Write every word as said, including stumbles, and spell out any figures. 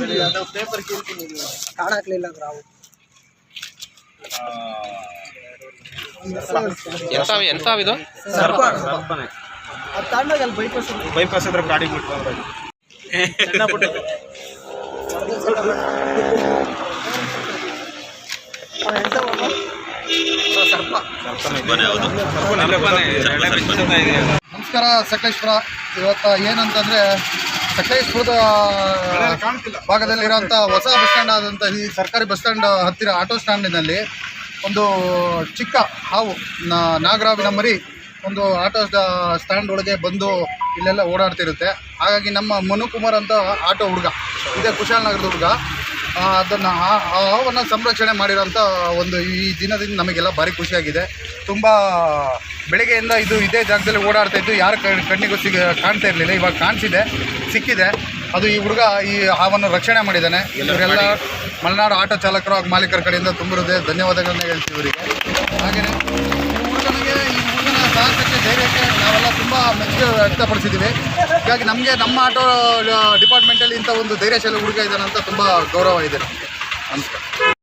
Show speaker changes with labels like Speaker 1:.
Speaker 1: Paper ಕೇಳ್ತೀನಿ ಕಾಣಾಕ್ಲಿಲ್ಲ ನಾವು
Speaker 2: ಎಂತಾವಿದು
Speaker 1: ತಾಂಡಾಗ ಅಲ್ಲಿ ಬೈಪಾಸ್
Speaker 3: ಬೈಪಾಸ್ ಹತ್ರ ಗಾಡಿ ಬಿಟ್ಟು ಸಣ್ಣ ಪುಟ್ಟ
Speaker 4: ನಮಸ್ಕಾರ ಸಕಲೇಶ್ಪುರ. ಇವತ್ತು ಏನಂತಂದರೆ ಸಕಲೇಶ್ಪುರದ ಭಾಗದಲ್ಲಿರೋಂಥ ಹೊಸ ಬಸ್ ಸ್ಟ್ಯಾಂಡ್ ಆದಂಥ ಈ ಸರ್ಕಾರಿ ಬಸ್ ಸ್ಟ್ಯಾಂಡ್ ಹತ್ತಿರ ಆಟೋ ಸ್ಟ್ಯಾಂಡಿನಲ್ಲಿ ಒಂದು ಚಿಕ್ಕ ಹಾವು ನಾಗರಾವಿನ ಮರಿ ಒಂದು ಆಟೋ ಸ್ಟ್ಯಾಂಡ್ ಒಳಗೆ ಬಂದು ಇಲ್ಲೆಲ್ಲ ಓಡಾಡ್ತಿರುತ್ತೆ. ಹಾಗಾಗಿ ನಮ್ಮ ಮನುಕುಮಾರ್ ಅಂತ ಆಟೋ ಹುಡುಗ ಇದೇ ಕುಶಾಲನಗರದ ಹುಡುಗ ಅದನ್ನು ಆ ಹಾವನ್ನು ಸಂರಕ್ಷಣೆ ಮಾಡಿರೋಂಥ ಒಂದು ಈ ದಿನದಿಂದ ನಮಗೆಲ್ಲ ಭಾರಿ ಖುಷಿಯಾಗಿದೆ. ತುಂಬ ಬೆಳಗ್ಗೆಯಿಂದ ಇದು ಇದೇ ಜಾಗದಲ್ಲಿ ಓಡಾಡ್ತಾ ಇದ್ದು ಯಾರ ಕಣ್ಣಿಗೂ ಸಿಗ ಕಾಣ್ತಾ ಇರಲಿಲ್ಲ. ಇವಾಗ ಕಾಣಿಸಿದೆ, ಸಿಕ್ಕಿದೆ. ಅದು ಈ ಹುಡುಗ ಈ ಹಾವನ್ನು ರಕ್ಷಣೆ ಮಾಡಿದ್ದಾನೆ. ಇವರೆಲ್ಲ ಮಲೆನಾಡು ಆಟೋ ಚಾಲಕರು ಹಾಗೂ ಮಾಲೀಕರ ಕಡೆಯಿಂದ ತುಂಬ ಹೃದಯ ಧನ್ಯವಾದಗಳನ್ನ ಹೇಳ್ತೀವಿ ಇವರಿಗೆ. ಹಾಗೆಯೇ ಈ ಹುಡುಗನಿಗೆ ಈ ಹುಡುಗನ ಸಾಹಸಕ್ಕೆ ಧೈರ್ಯಕ್ಕೆ ನಾವೆಲ್ಲ ತುಂಬ ಮೆಚ್ಚುಗೆ ವ್ಯಕ್ತಪಡಿಸಿದ್ದೀವಿ. ಹೀಗಾಗಿ ನಮಗೆ ನಮ್ಮ ಆಟೋ ಡಿಪಾರ್ಟ್ಮೆಂಟಲ್ಲಿ ಇಂಥ ಒಂದು ಧೈರ್ಯಶಾಲಿ ಹುಡುಗ ಇದ್ದಾನೆ ಅಂತ ತುಂಬ ಗೌರವ ಇದೆ ನಮಗೆ. ನಮಸ್ಕಾರ.